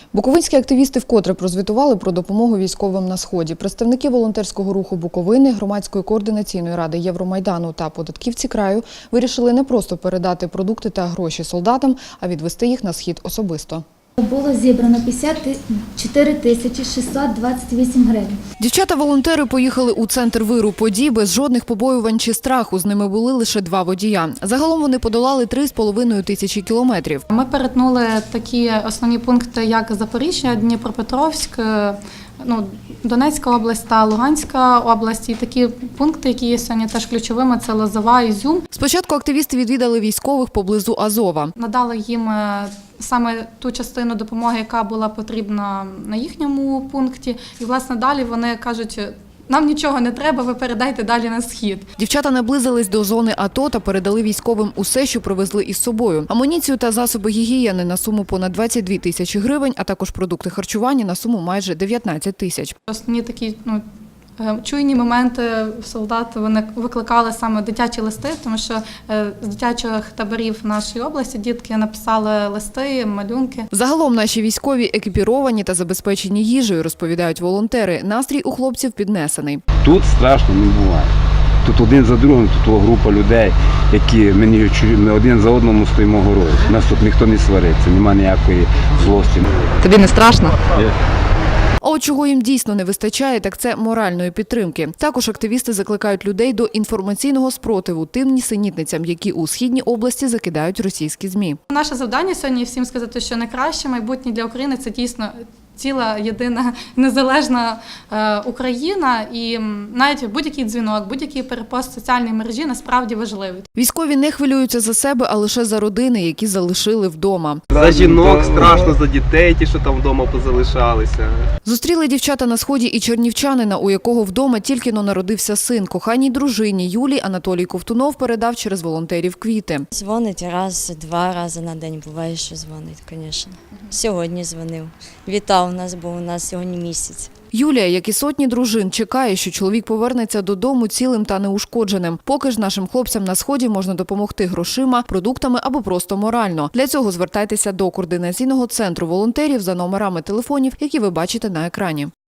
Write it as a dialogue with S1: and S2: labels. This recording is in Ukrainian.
S1: Буковинські активісти вкотре прозвітували про допомогу військовим на Сході. Представники волонтерського руху Буковини, Громадської координаційної ради Євромайдану та податківці краю вирішили не просто передати продукти та гроші солдатам, а відвести їх на Схід особисто.
S2: Було зібрано 54 628 гривень.
S1: Дівчата-волонтери поїхали у центр виру подій без жодних побоювань чи страху. З ними були лише 2 водія. Загалом вони подолали 3,5 тисячі кілометрів.
S3: Ми перетнули такі основні пункти, як Запоріжжя, Дніпропетровськ, Донецька область та Луганська область. І такі пункти, які є сьогодні теж ключовими, це Лозова, Ізюм.
S1: Спочатку активісти відвідали військових поблизу Азова.
S3: Надали їм саме ту частину допомоги, яка була потрібна на їхньому пункті. І, власне, далі вони кажуть, нам нічого не треба, ви передайте далі на Схід.
S1: Дівчата наблизились до зони АТО та передали військовим усе, що привезли із собою. Амуніцію та засоби гігієни на суму понад 22 тисячі гривень, а також продукти харчування на суму майже 19 тисяч.
S3: Основні такі чуйні моменти солдат вони викликали саме дитячі листи, тому що з дитячих таборів нашої області дітки написали листи, малюнки.
S1: Загалом наші військові екіпіровані та забезпечені їжею, розповідають волонтери. Настрій у хлопців піднесений.
S4: Тут страшно не буває. Тут один за другим, тут група людей, які ми один за одному стоїмо горою. Нас тут ніхто не свариться, немає ніякої злості.
S5: Тобі не страшно?
S1: А от чого їм дійсно не вистачає, так це моральної підтримки. Також активісти закликають людей до інформаційного спротиву тим нісенітницям, які у Східній області закидають російські ЗМІ.
S3: Наше завдання сьогодні всім сказати, що найкраще майбутнє для України – це дійсно ціла, єдина, незалежна Україна. І навіть будь-який дзвінок, будь-який перепост в соціальній мережі насправді важливий.
S1: Військові не хвилюються за себе, а лише за родини, які залишили вдома.
S6: За жінок страшно, за дітей, ті, що там вдома позалишалися.
S1: Зустріли дівчата на Сході і чернівчанина, у якого вдома тільки-но народився син. Коханій дружині Юлії Анатолій Ковтунов передав через волонтерів квіти.
S7: Дзвонить раз-два рази на день, буває, що дзвонить, звісно. Сьогодні дзвонив. Вітав нас, бо у нас сьогодні місяць.
S1: Юлія, як і сотні дружин, чекає, що чоловік повернеться додому цілим та неушкодженим. Поки ж нашим хлопцям на Сході можна допомогти грошима, продуктами або просто морально. Для цього звертайтеся до координаційного центру волонтерів за номерами телефонів, які ви бачите на екрані.